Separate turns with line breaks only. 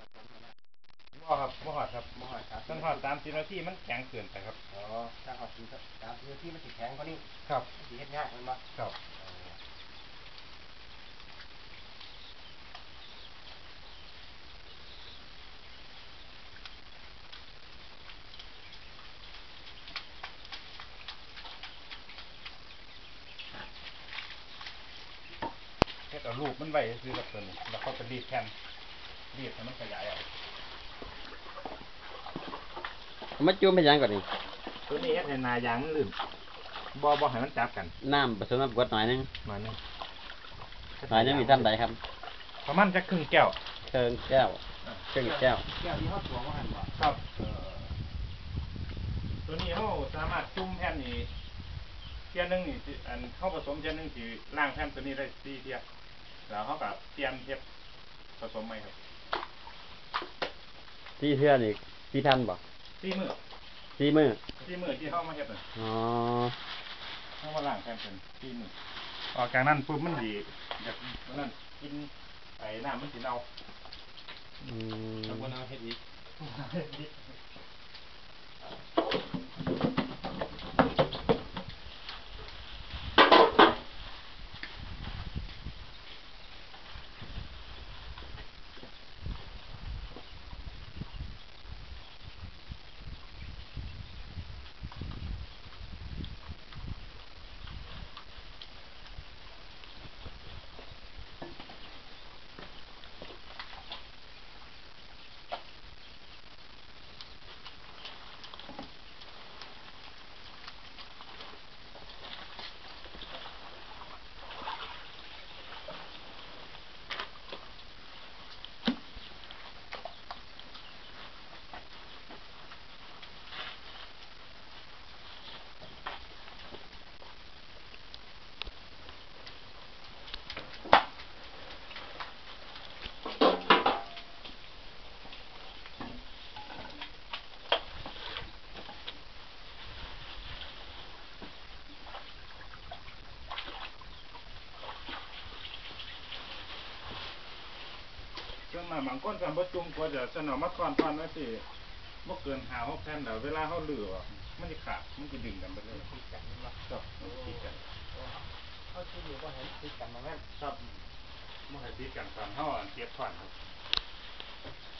บ่ครับบ่หอดครับ
บ่หอดครับ
ต้นหอด30 นาทีมันแข็งเกินไปครับ
อ๋อถ้าหอดถึง30 นาทีมันสิแข็งกว่านี้
ครับ
สิเฮ็ดยากมันบ่
ครับเฮ็ดเอารูปมันไว้ซื้อกับตัวนี้แล้วเขาจะรีดแผ่นรีดให้มันขยายออก
มาจุ่มเป็นยังก่อนนี่
ตัวนี้เฮ็ดให้หน้ายางมันลื่นบ่ให้มันจับกัน
น้ำผสมน้ำกรดหน่อยนึง
หน่อยนึง
มีท่านใดครับ
ประมาณจะครึ่งแก้ว
เชิงแก้ว
แก้วที่เฮาตวงว่าหั่นบ่
ครับตัวนี้เขาสามารถจุ่มแผ่นนี้เที่ยนึงนี่อันเขาผสมเที่ยนึงสิล้างแผ่นตัวนี้ได้4 เที่ยแล้วเขาก็เปลี่ยนเฮ็ดผสมใหม่ครับ
ที่เทื่อนี่ที่ท่านบ่
4 มื้อ
4 มื้อ
4 มื้อที่เขามาเฮ็ดน่ะ
อ๋อ
เขามาล้างแผ่นเป็น4 มื้อออกจากนั้นปุ๊บมันสิจากนั้นกินไอ้น้ำมันสิเน่า
แล้ว
บ่เอาเฮ็ดอีก
จนมาบางคนก็บ่จุ่มกว่าจะสนอมาทอนไว้สิบ่เกิน5-6 แผ่นแล้วเวลาเฮาลื้อออกมันสิขาดมันสิดึงกันไปเลย
ติดกันบ่
ครับมันติดกัน
เฮาสิอยู่บ่ให้ติดกันบ่แม่น
ครับบ่ให้ติดกันตอนเฮาเก็บถอนครับ